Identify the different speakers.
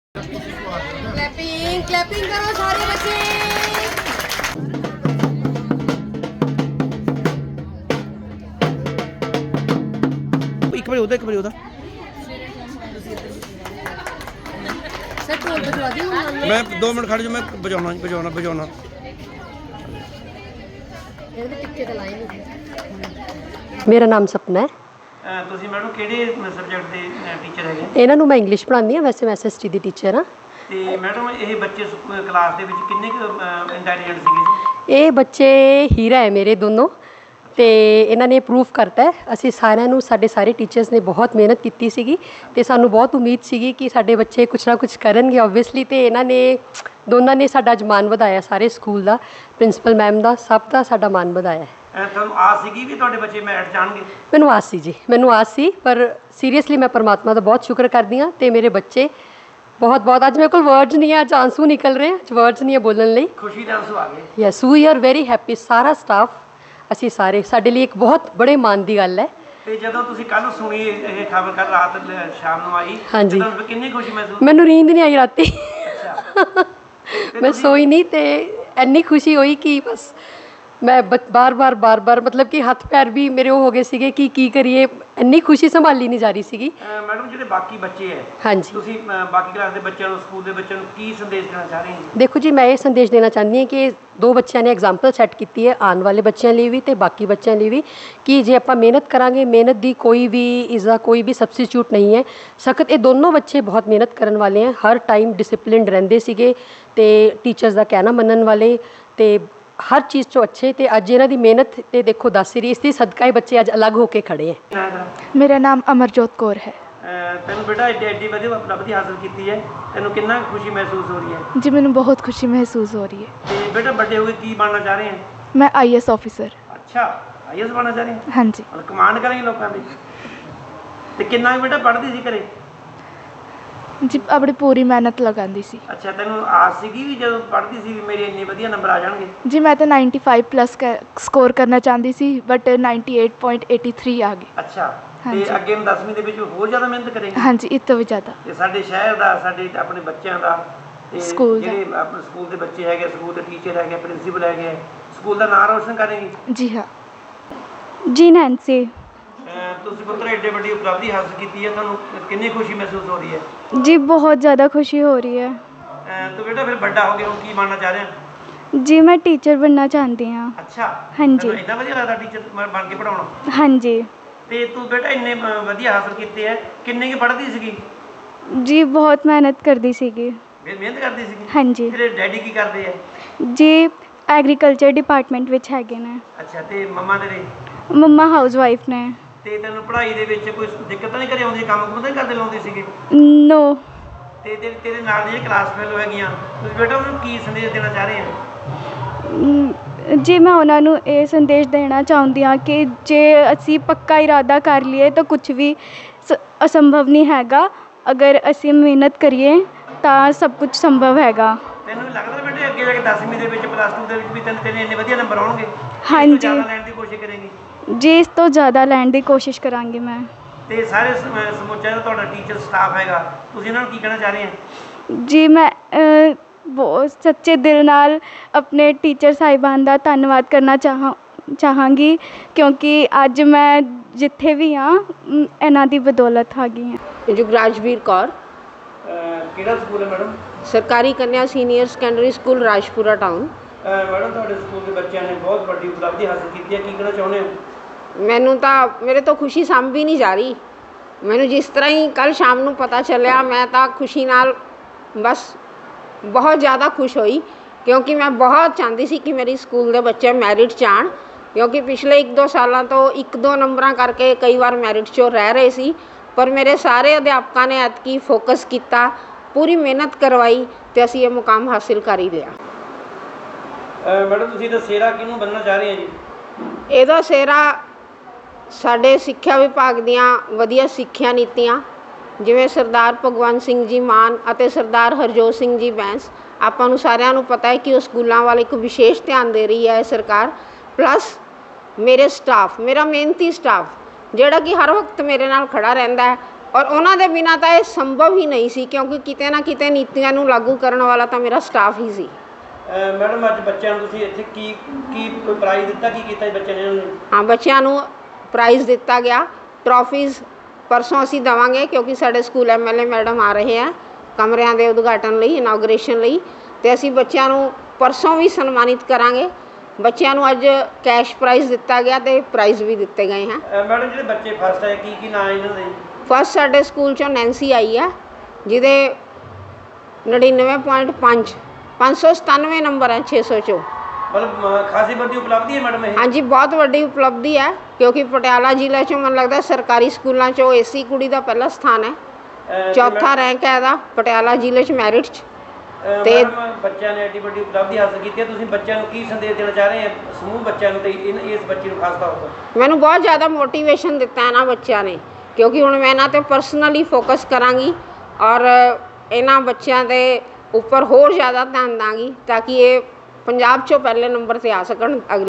Speaker 1: Clapping clapping करो सारे बच्चे।
Speaker 2: एक बार होता
Speaker 1: सर ढोल बजवा दी
Speaker 2: मैं 2 मिनट खड़ जो मैं बजाना
Speaker 1: टिक्के तो लाए नहीं।
Speaker 3: ਮੇਰਾ ਨਾਮ ਸਪਨਾ ਹੈ।
Speaker 2: ਤੁਸੀਂ ਮੈਡਮ ਕਿਹੜੇ ਸਬਜੈਕਟ ਦੇ ਟੀਚਰ ਹੈਗੇ?
Speaker 3: ਇਹਨਾਂ ਨੂੰ ਮੈਂ ਇੰਗਲਿਸ਼ ਪੜ੍ਹਾਉਂਦੀ ਹਾਂ, ਵੈਸੇ ਮੈਂ ਐਸਐਸਟੀ ਦੀ ਟੀਚਰ ਹਾਂ।
Speaker 2: ਤੇ ਮੈਡਮ ਇਹ ਬੱਚੇ ਕਲਾਸ ਦੇ ਵਿੱਚ ਕਿੰਨੇ ਕੁ ਇੰਟੈਲੀਜੈਂਟ ਸੀਗੇ ਜੀ?
Speaker 3: ਇਹ ਬੱਚੇ ਹੀਰਾ ਹੈ ਮੇਰੇ ਦੋਨੋਂ, ਤੇ ਇਹਨਾਂ ਨੇ ਪ੍ਰੂਫ ਕਰਤਾ ਹੈ। ਅਸੀਂ ਸਾਰਿਆਂ ਨੂੰ, ਸਾਡੇ ਸਾਰੇ ਟੀਚਰਸ ਨੇ ਬਹੁਤ ਮਿਹਨਤ ਕੀਤੀ ਸੀਗੀ ਤੇ ਸਾਨੂੰ ਬਹੁਤ ਉਮੀਦ ਸੀਗੀ ਕਿ ਸਾਡੇ ਬੱਚੇ ਕੁਛ ਨਾ ਕੁਛ ਕਰਨਗੇ ਓਬਵੀਅਸਲੀ, ਤੇ ਇਹਨਾਂ ਨੇ ਦੋਨਾਂ ਨੇ ਸਾਡਾ ਅੱਜ ਮਾਣ ਵਧਾਇਆ, ਸਾਰੇ ਸਕੂਲ ਦਾ, ਪ੍ਰਿੰਸੀਪਲ ਮੈਮ ਦਾ, ਸਭ ਦਾ ਸਾਡਾ ਮਾਣ ਵਧਾਇਆ।
Speaker 2: ਤੁਹਾਨੂੰ ਆਸ ਸੀਗੀ ਵੀ ਤੁਹਾਡੇ ਬੱਚੇ ਮੈਰਿਟ ਜਾਣਗੇ?
Speaker 3: ਮੈਨੂੰ ਆਸ ਸੀ ਜੀ, ਮੈਨੂੰ ਆਸ ਸੀ, ਪਰ ਸੀਰੀਅਸਲੀ ਮੈਂ ਪਰਮਾਤਮਾ ਦਾ ਬਹੁਤ ਸ਼ੁਕਰ ਕਰਦੀ ਹਾਂ ਤੇ ਮੇਰੇ ਬੱਚੇ ਬਹੁਤ ਬਹੁਤ, ਅੱਜ ਮੇਰੇ ਕੋਲ ਵਰਡਸ ਨਹੀਂ ਹੈ, ਅੱਜ ਆਂਸੂ ਨਿਕਲ ਰਹੇ, ਅੱਜ ਵਰਡਸ ਨਹੀਂ ਹੈ ਬੋਲਣ ਲਈ।
Speaker 2: ਖੁਸ਼ੀ ਦੇ ਆਂਸੂ ਆ ਗਏ?
Speaker 3: Yes, we are very happy, ਸਾਰਾ ਸਟਾਫ, ਅਸੀਂ ਸਾਰੇ, ਸਾਡੇ ਲਈ ਇੱਕ ਬਹੁਤ ਬੜੇ ਮਾਣ ਦੀ ਗੱਲ ਹੈ।
Speaker 2: ਤੇ ਜਦੋਂ ਤੁਸੀਂ ਕੱਲ ਸੁਣੀ ਇਹ ਖਬਰ, ਕੱਲ ਰਾਤ ਸ਼ਾਮ ਨੂੰ ਆਈ,
Speaker 3: ਹਾਂਜੀ,
Speaker 2: ਤੁਹਾਨੂੰ ਕਿੰਨੀ ਖੁਸ਼ੀ ਮਹਿਸੂਸ?
Speaker 3: ਮੈਨੂੰ ਨੀਂਦ ਨਹੀਂ ਆਈ ਰਾਤੀ,
Speaker 2: ਅੱਛਾ
Speaker 3: ਮੈਂ ਸੋਈ ਨਹੀਂ, ਤੇ ਇੰਨੀ ਖੁਸ਼ੀ ਹੋਈ ਕਿ ਬਸ ਮੈਂ ਬਾਰ-ਬਾਰ ਮਤਲਬ ਕਿ ਹੱਥ ਪੈਰ ਵੀ ਮੇਰੇ ਉਹ ਹੋ ਗਏ ਸੀਗੇ ਕਿ ਕੀ ਕਰੀਏ, ਇੰਨੀ ਖੁਸ਼ੀ ਸੰਭਾਲੀ ਨਹੀਂ ਜਾ ਰਹੀ ਸੀਗੀ।
Speaker 2: ਮੈਡਮ ਜਿਹੜੇ ਬਾਕੀ ਬੱਚੇ ਹੈ,
Speaker 3: ਹਾਂਜੀ,
Speaker 2: ਤੁਸੀਂ ਬਾਕੀ ਕਲਾਸ ਦੇ ਬੱਚਿਆਂ ਨੂੰ, ਸਕੂਲ ਦੇ ਬੱਚਿਆਂ ਨੂੰ ਕੀ ਸੰਦੇਸ਼ ਦੇਣਾ ਚਾਹ ਰਹੇ ਹੋ?
Speaker 3: ਦੇਖੋ ਜੀ, ਮੈਂ ਇਹ ਸੰਦੇਸ਼ ਦੇਣਾ ਚਾਹੁੰਦੀ ਹਾਂ ਕਿ 2 ਬੱਚਿਆਂ ਨੇ ਐਗਜ਼ਾਮਪਲ ਸੈੱਟ ਕੀਤੀ ਹੈ ਆਉਣ ਵਾਲੇ ਬੱਚਿਆਂ ਲਈ ਵੀ ਤੇ ਬਾਕੀ ਬੱਚਿਆਂ ਲਈ ਵੀ, ਕਿ ਜੇ ਆਪਾਂ ਮਿਹਨਤ ਕਰਾਂਗੇ, ਮਿਹਨਤ ਦੀ ਕੋਈ ਵੀ ਸਬਸਟੀਚਿਊਟ ਨਹੀਂ ਹੈ। ਸਖਤ ਇਹ ਦੋਨੋਂ ਬੱਚੇ ਬਹੁਤ ਮਿਹਨਤ ਕਰਨ ਵਾਲੇ ਹੈ, ਹਰ ਟਾਈਮ ਡਿਸਿਪਲਿਨਡ ਰਹਿੰਦੇ ਸੀਗੇ ਤੇ ਟੀਚਰਸ ਦਾ ਕਹਿਣਾ ਮੰਨਣ ਵਾਲੇ, ਤੇ ਹਰ ਚੀਜ਼ 'ਚੋਂ ਅੱਛੇ, ਤੇ ਅੱਜ ਇਹਨਾਂ ਦੀ ਮਿਹਨਤ ਤੇ ਦੇਖੋ ਦੱਸ ਰਹੀ, ਇਸ ਦੀ ਸਦਕਾ ਹੀ ਬੱਚੇ ਅੱਜ ਅਲੱਗ ਹੋ ਕੇ ਖੜੇ ਹੈ।
Speaker 4: ਮੇਰਾ ਨਾਮ ਅਮਰਜੋਤ ਕੌਰ ਹੈ।
Speaker 2: ਤੈਨੂੰ ਬੇਟਾ ਐਡੀ ਵਧੀਆ ਉਪਲਬਧੀ ਹਾਸਲ ਕੀਤੀ ਹੈ, ਤੈਨੂੰ ਕਿੰਨਾ ਖੁਸ਼ੀ ਮਹਿਸੂਸ ਹੋ ਰਹੀ ਹੈ?
Speaker 4: ਜੀ ਮੈਨੂੰ ਬਹੁਤ ਖੁਸ਼ੀ ਮਹਿਸੂਸ ਹੋ ਰਹੀ ਹੈ।
Speaker 2: ਤੇ ਬੇਟਾ ਵੱਡੇ ਹੋ ਕੇ ਕੀ ਬਣਨਾ ਚਾਹ ਰਹੇ ਹੈ?
Speaker 4: ਮੈਂ ਆਈਐਸ ਆਫਿਸਰ।
Speaker 2: ਅੱਛਾ, ਆਈਐਸ ਬਣਨਾ ਚਾਹ ਰਹੇ ਹੈ?
Speaker 4: ਹਾਂਜੀ।
Speaker 2: ਕਮਾਂਡ ਕਰਾਂਗੇ ਲੋਕਾਂ ਦੀ। ਤੇ ਕਿੰਨਾ ਬੇਟਾ ਪੜ੍ਹਦੀ ਸੀ ਘਰੇ?
Speaker 4: ਜੀ ਆਪਣੀ ਪੂਰੀ ਮਿਹਨਤ ਲਗਾਉਂਦੀ ਸੀ।
Speaker 2: ਅੱਛਾ, ਤੈਨੂੰ ਆਸ ਸੀਗੀ ਵੀ ਜਦੋਂ ਪੜ੍ਹਦੀ ਸੀ ਵੀ ਮੇਰੇ ਇੰਨੇ ਵਧੀਆ ਨੰਬਰ ਆ ਜਾਣਗੇ?
Speaker 4: ਜੀ ਮੈਂ ਤਾਂ 95 ਪਲੱਸ ਸਕੋਰ ਕਰਨਾ ਚਾਹੁੰਦੀ ਸੀ, ਬਟ 98.83 ਆ ਗਏ।
Speaker 2: ਅੱਛਾ,
Speaker 4: ਹਾਂਜੀ।
Speaker 2: ਤੇ ਅੱਗੇ 10ਵੀਂ ਦੇ ਵਿੱਚ ਹੋਰ ਜ਼ਿਆਦਾ ਮਿਹਨਤ ਕਰੇਂਗੇ?
Speaker 4: ਹਾਂਜੀ, ਇਸ ਤੋਂ ਵੀ ਜ਼ਿਆਦਾ।
Speaker 2: ਤੇ ਸਾਡੇ ਸ਼ਹਿਰ ਦਾ, ਸਾਡੇ ਆਪਣੇ ਬੱਚਿਆਂ ਦਾ, ਤੇ
Speaker 4: ਸਕੂਲ ਦਾ,
Speaker 2: ਜਿਹੜੇ ਆਪਣੇ ਸਕੂਲ ਦੇ ਬੱਚੇ ਹੈਗੇ, ਸਕੂਲ ਦੇ ਟੀਚਰ ਹੈਗੇ, ਪ੍ਰਿੰਸੀਪਲ ਹੈਗੇ, ਸਕੂਲ ਦਾ ਨਾਮ ਰੋਸ਼ਨ ਕਰੇਂਗੇ?
Speaker 4: ਜੀ ਹਾਂ। ਜੀ ਨੈਂਸੀ।
Speaker 2: ਤੁਸੀਂ ਪੁੱਤਰ ਐਡੇ ਵੱਡੀ ਉਪਲਬਧੀ ਹਾਸਲ ਕੀਤੀ ਹੈ, ਤੁਹਾਨੂੰ ਕਿੰਨੀ ਖੁਸ਼ੀ ਮਹਿਸੂਸ ਹੋ ਰਹੀ ਹੈ?
Speaker 4: ਜੀ ਬਹੁਤ ਜ਼ਿਆਦਾ ਖੁਸ਼ੀ ਹੋ ਰਹੀ ਹੈ।
Speaker 2: ਤੂੰ ਬੇਟਾ ਫਿਰ ਵੱਡਾ ਹੋ ਗਿਆ, ਕੀ ਬਣਨਾ ਚਾਹ ਰਿਹਾ?
Speaker 4: ਜੀ ਮੈਂ ਟੀਚਰ ਬਣਨਾ ਚਾਹੁੰਦੀ ਹਾਂ।
Speaker 2: ਅੱਛਾ,
Speaker 4: ਹਾਂਜੀ।
Speaker 2: ਇੰਨਾ ਵਧੀਆ ਲੱਗਦਾ ਟੀਚਰ ਬਣ ਕੇ ਪੜਾਉਣਾ?
Speaker 4: ਹਾਂਜੀ।
Speaker 2: ਤੇ ਤੂੰ ਬੇਟਾ ਇੰਨੇ ਵਧੀਆ ਹਾਸਲ ਕੀਤੇ ਹੈ, ਕਿੰਨੇ ਕੁ ਪੜ੍ਹਦੀ ਸੀਗੀ?
Speaker 4: ਜੀ ਬਹੁਤ ਮਿਹਨਤ ਕਰਦੀ ਸੀਗੀ।
Speaker 2: ਮਿਹਨਤ ਕਰਦੀ ਸੀਗੀ?
Speaker 4: ਹਾਂਜੀ।
Speaker 2: ਤੇਰੇ ਡੈਡੀ ਕੀ ਕਰਦੇ ਆ?
Speaker 4: ਜੀ ਐਗਰੀਕਲਚਰ ਡਿਪਾਰਟਮੈਂਟ ਵਿੱਚ ਹੈਗੇ ਨੇ।
Speaker 2: ਅੱਛਾ, ਤੇ ਮੰਮਾ ਤੇਰੇ?
Speaker 4: ਮੰਮਾ ਹਾਊਸ ਵਾਈਫ ਨੇ।
Speaker 2: ਤੇ ਤੈਨੂੰ ਪੜ੍ਹਾਈ ਦੇ ਵਿੱਚ ਕੋਈ ਦਿੱਕਤ ਤਾਂ ਨਹੀਂ ਘਰੇ ਆਉਂਦੀ? ਕੰਮ ਕੁਮ ਤਾਂ ਨਹੀਂ ਕਰਦੇ ਲਾਉਂਦੇ ਸੀਗੇ?
Speaker 4: ਨੋ।
Speaker 2: ਤੇ ਤੇਰੇ ਨਾਲ ਜਿਹੜੀਆਂ ਕਲਾਸ ਫੈਲੋ ਹੈਗੀਆਂ, ਤੁਸੀਂ ਬੇਟਾ ਉਹਨਾਂ ਨੂੰ ਕੀ ਸੰਦੇਸ਼ ਦੇਣਾ ਚਾਹ ਰਹੇ ਹੋ?
Speaker 4: ਜੀ ਮੈਂ ਉਹਨਾਂ ਨੂੰ ਇਹ ਸੰਦੇਸ਼ ਦੇਣਾ ਚਾਹੁੰਦੀ ਹਾਂ ਕਿ ਜੇ ਅਸੀਂ ਪੱਕਾ ਇਰਾਦਾ ਕਰ ਲਈਏ ਤਾਂ ਕੁਝ ਵੀ ਅਸੰਭਵ ਨਹੀਂ ਹੈਗਾ। ਅਗਰ ਅਸੀਂ ਮਿਹਨਤ ਕਰੀਏ ਤਾਂ ਸਭ ਕੁਝ ਸੰਭਵ ਹੈਗਾ।
Speaker 2: ਤੈਨੂੰ ਲੱਗਦਾ ਬੇਟੇ ਅੱਗੇ ਜਾ ਕੇ 10ਵੀਂ ਦੇ ਵਿੱਚ, ਪਲੱਸ 2 ਦੇ ਵਿੱਚ ਵੀ ਤੈਨੂੰ ਇੰਨੇ ਵਧੀਆ ਨੰਬਰ ਆਉਣਗੇ?
Speaker 4: ਹਾਂਜੀ।
Speaker 2: ਜ਼ਿਆਦਾ ਲੈਣ ਦੀ ਕੋਸ਼ਿਸ਼ ਕਰੇਂਗੀ?
Speaker 4: ਜੀ ਇਸ ਤੋਂ ਜ਼ਿਆਦਾ ਲੈਣ ਦੀ ਕੋਸ਼ਿਸ਼ ਕਰਾਂਗੀ ਮੈਂ।
Speaker 2: ਤੇ ਸਾਰੇ ਸਮੁੱਚਾ ਜਿਹੜਾ ਤੁਹਾਡਾ ਟੀਚਰ ਸਟਾਫ ਹੈਗਾ, ਤੁਸੀਂ ਇਹਨਾਂ ਨੂੰ ਕੀ ਕਹਿਣਾ ਚਾਹ ਰਹੇ ਹੋ?
Speaker 4: ਜੀ ਮੈਂ ਬਹੁਤ ਸੱਚੇ ਦਿਲ ਨਾਲ ਆਪਣੇ ਟੀਚਰ ਸਾਹਿਬਾਨ ਦਾ ਧੰਨਵਾਦ ਕਰਨਾ ਚਾਹਾਂਗੀ, ਕਿਉਂਕਿ ਅੱਜ ਮੈਂ ਜਿੱਥੇ ਵੀ ਹਾਂ ਇਹਨਾਂ ਦੀ ਬਦੌਲਤ ਹੈਗੀ ਹਾਂ।
Speaker 5: ਜੁਗਰਾਜਵੀਰ ਕੌਰ।
Speaker 2: ਕਿਹੜਾ ਸਕੂਲ ਹੈ ਮੈਡਮ?
Speaker 5: ਸਰਕਾਰੀ ਕੰਨਿਆ senior secondary school Rajpura town.
Speaker 2: Madam ਤੁਹਾਡੇ ਸਕੂਲ ਦੇ ਬੱਚਿਆਂ ਨੇ ਬਹੁਤ ਵੱਡੀ ਉਪਲਬਧੀ ਹਾਸਲ ਕੀਤੀ ਹੈ, ਕੀ ਕਹਿਣਾ ਚਾਹੁੰਦੇ ਹੋ?
Speaker 5: ਮੈਨੂੰ ਤਾਂ, ਮੇਰੇ ਤੋਂ ਖੁਸ਼ੀ ਸਾਂਭੀ ਨਹੀਂ ਜਾ ਰਹੀ। ਮੈਨੂੰ ਜਿਸ ਤਰ੍ਹਾਂ ਹੀ ਕੱਲ੍ਹ ਸ਼ਾਮ ਨੂੰ ਪਤਾ ਚੱਲਿਆ, ਮੈਂ ਤਾਂ ਖੁਸ਼ੀ ਨਾਲ ਬਸ ਬਹੁਤ ਜ਼ਿਆਦਾ ਖੁਸ਼ ਹੋਈ, ਕਿਉਂਕਿ ਮੈਂ ਬਹੁਤ ਚਾਹੁੰਦੀ ਸੀ ਕਿ ਮੇਰੀ ਸਕੂਲ ਦੇ ਬੱਚੇ ਮੈਰਿਟ 'ਚ ਆਉਣ, ਕਿਉਂਕਿ ਪਿਛਲੇ 1-2 ਸਾਲਾਂ ਤੋਂ 1-2 ਨੰਬਰਾਂ ਕਰਕੇ ਕਈ ਵਾਰ ਮੈਰਿਟ 'ਚੋਂ ਰਹਿ ਰਹੇ ਸੀ। ਪਰ ਮੇਰੇ ਸਾਰੇ ਅਧਿਆਪਕਾਂ ਨੇ ਐਤਕੀ ਫੋਕਸ ਕੀਤਾ, ਪੂਰੀ ਮਿਹਨਤ ਕਰਵਾਈ ਅਤੇ ਅਸੀਂ ਇਹ ਮੁਕਾਮ ਹਾਸਿਲ ਕਰ ਹੀ ਲਿਆ।
Speaker 2: ਮੈਡਮ ਤੁਸੀਂ ਇਹਦਾ ਸਿਹਰਾ ਕਿਹਨੂੰ ਬਣਨਾ ਚਾਹ ਰਹੇ ਹੋ ਜੀ?
Speaker 5: ਇਹਦਾ ਸਿਹਰਾ ਸਾਡੇ ਸਿੱਖਿਆ ਵਿਭਾਗ ਦੀਆਂ ਵਧੀਆ ਸਿੱਖਿਆ ਨੀਤੀਆਂ, ਜਿਵੇਂ ਸਰਦਾਰ ਭਗਵੰਤ ਸਿੰਘ ਜੀ ਮਾਨ ਅਤੇ ਸਰਦਾਰ ਹਰਜੋਤ ਸਿੰਘ ਜੀ ਬੈਂਸ, ਆਪਾਂ ਨੂੰ ਸਾਰਿਆਂ ਨੂੰ ਪਤਾ ਹੈ ਕਿ ਉਹ ਸਕੂਲਾਂ ਵੱਲ ਇੱਕ ਵਿਸ਼ੇਸ਼ ਧਿਆਨ ਦੇ ਰਹੀ ਹੈ ਸਰਕਾਰ। ਪਲੱਸ ਮੇਰੇ ਸਟਾਫ, ਮੇਰਾ ਮਿਹਨਤੀ ਸਟਾਫ ਜਿਹੜਾ ਕਿ ਹਰ ਵਕਤ ਮੇਰੇ ਨਾਲ ਖੜਾ ਰਹਿੰਦਾ ਹੈ, ਔਰ ਉਹਨਾਂ ਦੇ ਬਿਨਾਂ ਤਾਂ ਇਹ ਸੰਭਵ ਹੀ ਨਹੀਂ ਸੀ, ਕਿਉਂਕਿ ਕਿਤੇ ਨਾ ਕਿਤੇ ਨੀਤੀਆਂ ਨੂੰ ਲਾਗੂ ਕਰਨ ਵਾਲਾ ਤਾਂ ਮੇਰਾ ਸਟਾਫ ਹੀ ਸੀ।
Speaker 2: ਮੈਡਮ ਅੱਜ ਬੱਚਿਆਂ ਨੂੰ ਤੁਸੀਂ ਇੱਥੇ ਕੀ ਕੋਈ ਪ੍ਰਾਈਜ਼ ਦਿੱਤਾ, ਕੀ ਕੀਤਾ ਜੀ ਬੱਚਿਆਂ ਨੇ ਇਹਨਾਂ ਨੂੰ?
Speaker 5: ਹਾਂ, ਬੱਚਿਆਂ ਨੂੰ ਪ੍ਰਾਈਜ਼ ਦਿੱਤਾ ਗਿਆ, ਟਰੋਫੀਜ਼ ਪਰਸੋਂ ਅਸੀਂ ਦੇਵਾਂਗੇ, ਕਿਉਂਕਿ ਸਾਡੇ ਸਕੂਲ MLA ਮੈਡਮ ਆ ਰਹੇ ਆ ਕਮਰਿਆਂ ਦੇ ਉਦਘਾਟਨ ਲਈ, ਇਨਾਗਰੇਸ਼ਨ ਲਈ, ਅਤੇ ਅਸੀਂ ਬੱਚਿਆਂ ਨੂੰ ਪਰਸੋਂ ਵੀ ਸਨਮਾਨਿਤ ਕਰਾਂਗੇ। ਬੱਚਿਆਂ ਨੂੰ ਅੱਜ ਕੈਸ਼ ਪ੍ਰਾਈਜ਼ ਦਿੱਤਾ ਗਿਆ ਅਤੇ ਪ੍ਰਾਈਜ਼ ਵੀ ਦਿੱਤੇ ਗਏ ਹਨ।
Speaker 2: ਮੈਡਮ ਜਿਹੜੇ ਬੱਚੇ ਫਸਟ ਆਏ ਕੀ ਨਾਂ ਇਹਨਾਂ ਦੇ?
Speaker 5: ਫਸਟ ਸਾਡੇ ਸਕੂਲ 'ਚੋਂ ਨੈਂਸੀ ਆਈ ਆ, ਜਿਹਦੇ 99.5 597 ਨੰਬਰ ਹੈ 600 'ਚੋਂ।
Speaker 2: ਮਤਲਬ ਖਾਸੀ ਵੱਡੀ ਉਪਲਬਧੀ ਹੈ ਮੈਡਮ ਇਹ?
Speaker 5: ਹਾਂਜੀ, ਬਹੁਤ ਵੱਡੀ ਉਪਲਬਧੀ ਹੈ, ਕਿਉਂਕਿ ਪਟਿਆਲਾ ਜ਼ਿਲ੍ਹੇ 'ਚੋਂ ਮੈਨੂੰ ਲੱਗਦਾ ਸਰਕਾਰੀ ਸਕੂਲਾਂ 'ਚੋਂ ਇਸੀ ਕੁੜੀ ਦਾ ਪਹਿਲਾ ਸਥਾਨ ਹੈ, ਚੌਥਾ ਰੈਂਕ ਹੈ ਇਹਦਾ ਪਟਿਆਲਾ ਜ਼ਿਲ੍ਹੇ 'ਚ ਮੈਰਿਟ 'ਚ।
Speaker 2: ਤੇ ਬੱਚਿਆਂ ਨੇ ਐਡੀ ਵੱਡੀ ਉਪਲਬਧੀ ਹਾਸਲ ਕੀਤੀ ਹੈ, ਤੁਸੀਂ ਬੱਚਿਆਂ ਨੂੰ ਕੀ ਸੰਦੇਸ਼ ਦੇਣਾ ਚਾਹ ਰਹੇ ਹੋ, ਸਮੂਹ ਬੱਚਿਆਂ ਨੂੰ ਤੇ ਇਸ ਬੱਚੀ ਨੂੰ ਖਾਸ ਤੌਰ ਤੇ?
Speaker 5: ਮੈਨੂੰ ਬਹੁਤ ਜ਼ਿਆਦਾ ਮੋਟੀਵੇਸ਼ਨ ਦਿੱਤਾ ਇਹਨਾਂ ਬੱਚਿਆਂ ਨੇ, ਕਿਉਂਕਿ ਹੁਣ ਮੈਂ ਇਹਨਾਂ 'ਤੇ ਪਰਸਨਲੀ ਫੋਕਸ ਕਰਾਂਗੀ ਔਰ ਇਹਨਾਂ ਬੱਚਿਆਂ ਦੇ ਉੱਪਰ ਹੋਰ ਜ਼ਿਆਦਾ ਧਿਆਨ ਦਾਂਗੀ, ਤਾਂ ਕਿ ਇਹ ਪੰਜਾਬ 'ਚੋਂ ਪਹਿਲੇ ਨੰਬਰ 'ਤੇ ਆ ਸਕਣ।